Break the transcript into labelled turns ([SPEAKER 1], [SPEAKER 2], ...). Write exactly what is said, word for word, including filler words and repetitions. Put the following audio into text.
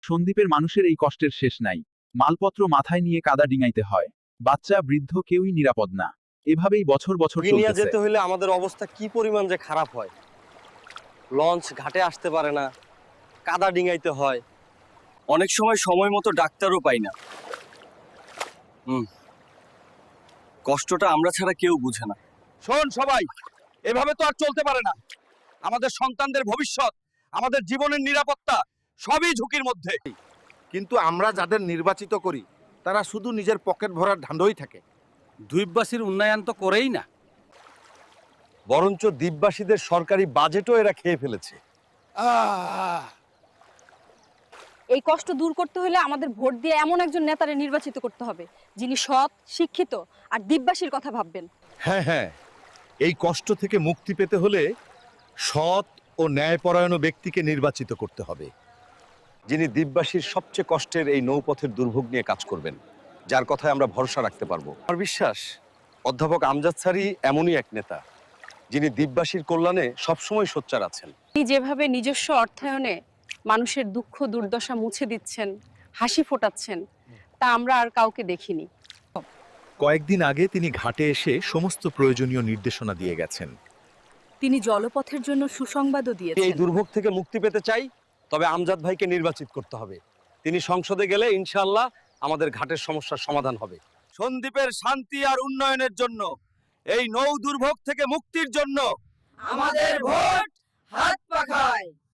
[SPEAKER 1] সন্দ্বীপের মানুষের এই কষ্টের শেষ নাই। মালপত্র মাথায় নিয়ে কাদা ডিঙাইতে হয়। বাচ্চা বৃদ্ধ কেউই নিরাপদ না। এভাবেই বছর বছর
[SPEAKER 2] নিয়ে
[SPEAKER 1] চলতেছে।
[SPEAKER 2] যেতে হলে আমাদের অবস্থা কি পরিমাণ যে খারাপ হয়। লঞ্চ ঘাটে আসতে পারে না, কাদা ডিঙাইতে হয়, অনেক সময় সময় মতো ডাক্তারও পাই না। হুম, কষ্টটা আমরা ছাড়া কেউ বুঝে না।
[SPEAKER 3] শোন সবাই, এভাবে তো আর চলতে পারে না। আমাদের সন্তানদের ভবিষ্যৎ, আমাদের জীবনের নিরাপত্তা সবই ঝুঁকির মধ্যে।
[SPEAKER 4] কিন্তু আমরা যাদের নির্বাচিত করি তারা শুধু নিজের পকেট ভরার ধান্দই থাকে।
[SPEAKER 3] দ্বীপবাসীর উন্নয়ন তো করেই না।
[SPEAKER 2] বরঞ্চ দ্বীপবাসীদের সরকারি বাজেটও এরা খেয়ে ফেলেছে।
[SPEAKER 5] এই কষ্ট দূর করতে হলে আমাদের ভোট দিয়ে এমন একজন নেতারে নির্বাচিত করতে হবে যিনি সৎ, শিক্ষিত আর দ্বীপবাসীর কথা ভাববেন।
[SPEAKER 6] হ্যাঁ হ্যাঁ, এই কষ্ট থেকে মুক্তি পেতে হলে সৎ ও ন্যায়পরায়ণ ব্যক্তিকে নির্বাচিত করতে হবে,
[SPEAKER 2] যিনি দ্বীপবাসীর সবচেয়ে কষ্টের এই নৌপথের দুর্ভোগ নিয়ে কাজ করবেন, যার কথায় আমরা ভরসা রাখতে পারবো। আমার বিশ্বাস অধ্যাপক আমজাদ স্যারই এমনই এক নেতা, যিনি দ্বীপবাসীর কল্যাণে সবসময় সোচ্চার আছেন।
[SPEAKER 5] তিনি যেভাবে নিজস্ব অর্থায়নে মানুষের দুঃখ দুর্দশা মুছে দিচ্ছেন, হাসি ফোটাচ্ছেন, তা আমরা আর কাউকে দেখিনি।
[SPEAKER 6] কয়েকদিন আগে তিনি ঘাটে এসে সমস্ত প্রয়োজনীয় নির্দেশনা দিয়ে গেছেন।
[SPEAKER 7] তিনি জলপথের জন্য সুসংবাদও
[SPEAKER 2] এই
[SPEAKER 7] দিয়েছেন।
[SPEAKER 2] দুর্ভোগ থেকে মুক্তি পেতে চাই, তবে আমজাদ ভাইকে নির্বাচিত করতে হবে। তিনি সংসদে গেলে ইনশাআল্লাহ আমাদের ঘাটের সমস্যার সমাধান হবে।
[SPEAKER 3] সন্দ্বীপের শান্তি আর উন্নয়নের জন্য, এই নৌ দুর্ভোগ থেকে মুক্তির জন্য
[SPEAKER 7] আমাদের ভোট হাত পাখায়।